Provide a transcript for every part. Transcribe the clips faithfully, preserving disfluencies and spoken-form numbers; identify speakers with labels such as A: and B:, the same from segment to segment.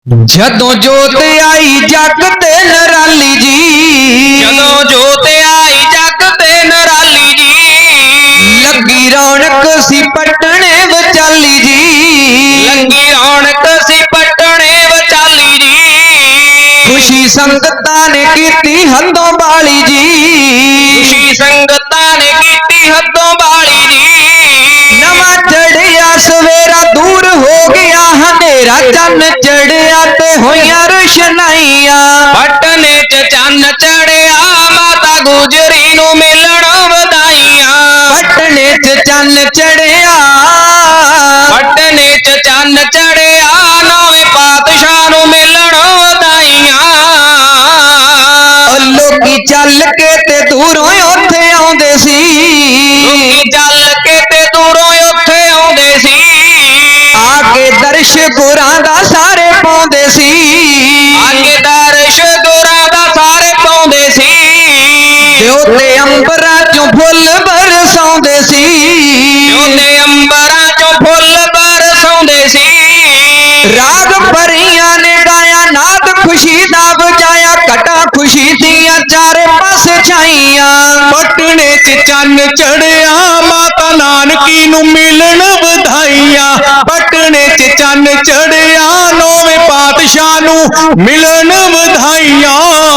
A: जदों जोत आई जग ते नराली जी,
B: जदों जोत आई जग ते नराली जी,
A: लगी रौनक सी पटने विचाली जी,
B: लगी रौनक सी पटने विचाली जी,
A: खुशी संगतां ने कीती हदों बाली जी,
B: खुशी संगतां ने कीती हदों बाली जी,
A: नवा चढ़िया सवेरा दूर हो गया हनेरा, चन्न चढ़िया ते होइयां रोशनाइयां,
B: पटने च चन्न चढ़िया माता गुजरी नूं मिलण वधाइयां,
A: पटने च चन्न चढ़िया,
B: पटने च चन्न चढ़िया नौवें पातशाह नूं मिलण वधाइयां,
A: लोकी चल के ते दूरों उत्थे आउंदे सी,
B: लोकी चल के ते दूरों उत्थे आउंदे सी,
A: आके दर्श गुरां दा सारे पाउंदे सी,
B: आके दर्श गुरां दा सारे पाउंदे सी,
A: ते अंबरां चों फुੱਲ बरसाउंदे सी,
B: ते अंबरां चों फुੱਲ बरसाउंदे सी,
A: राग परियां ने गाया नाद खुशी दा बजाया, कटा खुशी दियां चारे पासे छाइयां,
C: पटने च चन्न चढ़िया माता नानकी नूं मिलन वधाइयां, पटने च चन्न चढ़िया नौवें पातशाह नूं मिलन वधाइयां,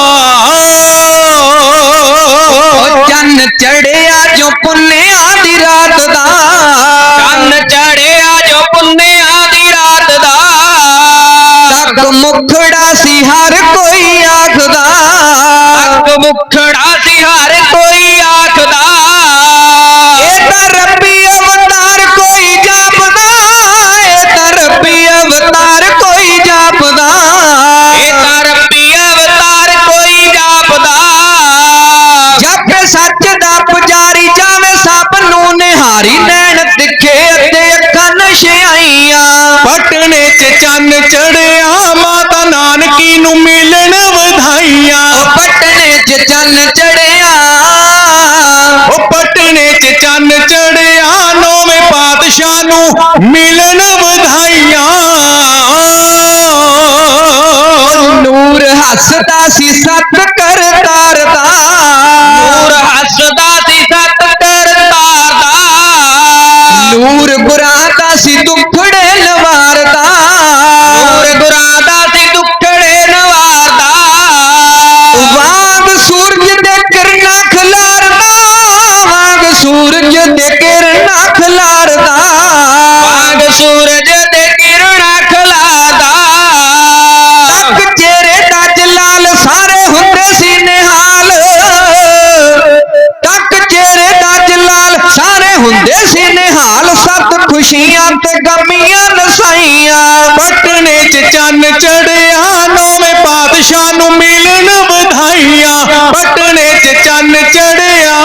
A: चन्न चढ़िया जो पुन्निया दी रात दा,
B: चन्न चढ़िया जो पुन्निया दी रात दा,
A: तक मुखड़ा सी हर कोई आखदा,
B: तक मुखड़ा सी हर कोई आखदा,
A: ए तां रब्बी अवतार कोई जापदा, ए तां रब्बी अवतार कोई जापदा,
B: ए तां रब्बी अवतार कोई जापदा,
A: जप सच दा पुजारी जावे सभ नूं निहारी, नैण तिखे अते अखां नशियाइयां,
C: पटने च चन्न चढ़िया माता नानकी नूं मिलन वधाइयां,
A: पटने च चन्न चढ़िया,
C: ओ पटने च चन्न चढ़िया नौवें पातशाह नूं मिलन वधाइयां,
A: नूर हसदा सी सत करतार दा,
B: नूर हसदा सी सत करतार दा,
A: नूर गुरां दा सी दुखड़े नवारदा,
B: नूर गुरां दा सी दुखड़े नवारदा,
A: वांग सूरज दे किरणां खिलारदा, वांग सूरज दे किरणां खिलारदा,
B: वांग सूरज दे किरणां खिलारदा,
A: तक चेहरे दा जलाल सारे हुंदे सी निहाल, तक चेहरे दा जलाल सारे हुंदे सी निहाल, सत खुशियां ते गमियां नसाइयां,
C: पटने च चन्न चढ़िया नौवें पातशाह नूं मिलन वधाइयां, पटने च चन्न चढ़िया,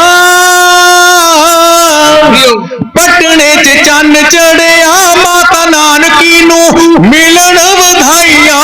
C: पटने च चन्न चढ़िया माता नानकी नूं मिलन वधाइयां,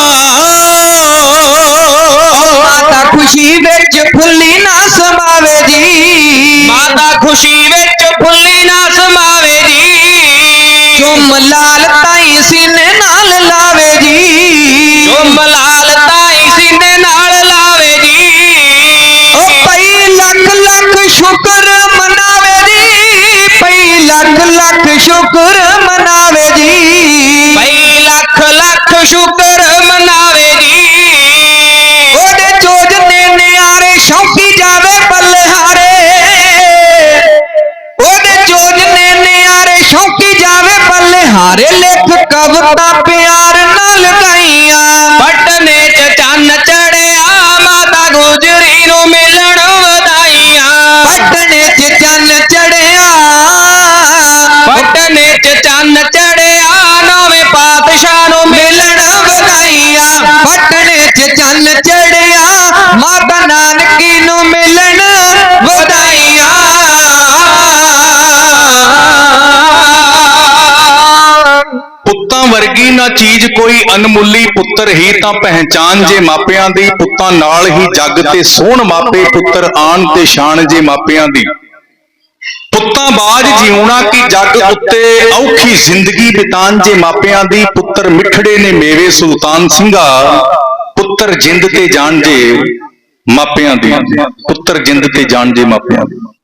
A: माता खुशी विच फुल्ली ना समावे जी,
B: माता खुशी विच फुल्ली ना समावे जी,
A: चुम लाल ताई सीने नाल लावे जी,
B: चुम लाल ताई सीने नाल लावे जी,
A: ओ पई लख लख शुक्र मनावे जी, पई लख लख शुक्र मनावे जी,
B: भई लख लख शुक्र मनावे जी,
A: ओदे चोजने नियारे शौकी जावे बलिहारे, ओदे चोजने नियारे शौकी जावे बलिहारे, लिख कविता प्यार नाल गाइयां,
B: पटने च चन्न चढ़िया माता गुजरी नूं मिलण वधाइयां,
A: पटने च चन्न चढ़िया,
B: पटने च चन्न चढ़िया नौवें पातशाह नूं मिलण
A: वधाइयां, पटने च चन्न चढ़िया माता नानकी नूं मिलन वधाइयां।
C: पुत्तां वर्गी ना चीज कोई अनमुल्ली, पुੱਤਰ ही तां पहचान जे मापिਆਂ ਦੀ, ਪੁੱਤਾਂ ਨਾਲ ਹੀ ਜੱਗ ਤੇ ਸੋਹਣ ਮਾਪੇ, ਪੁੱਤਰ ਆਣ ਤੇ ਸ਼ਾਨ ਜੇ ਮਾਪਿਆਂ ਦੀ। ਪੁੱਤਾਂ ਬਾਝ ਜਿਉਣਾ ਕੀ ਜੱਗ ਉੱਤੇ ਔਖੀ ਜ਼ਿੰਦਗੀ ਬਿਤਾਨ ਜੇ ਮਾਪਿਆਂ ਦੀ ਪੁੱਤਰ ਮਿੱਠੜੇ ਨੇ ਮੇਵੇ ਸੁਲਤਾਨ ਸਿੰਘਾ ਪੁੱਤਰ ਜਿੰਦ ਤੇ ਜਾਣ ਜੇ ਮਾਪਿਆਂ ਦੀ ਪੁੱਤਰ ਜਿੰਦ ਤੇ ਜਾਣ ਜੇ ਮਾਪਿਆਂ ਦੀ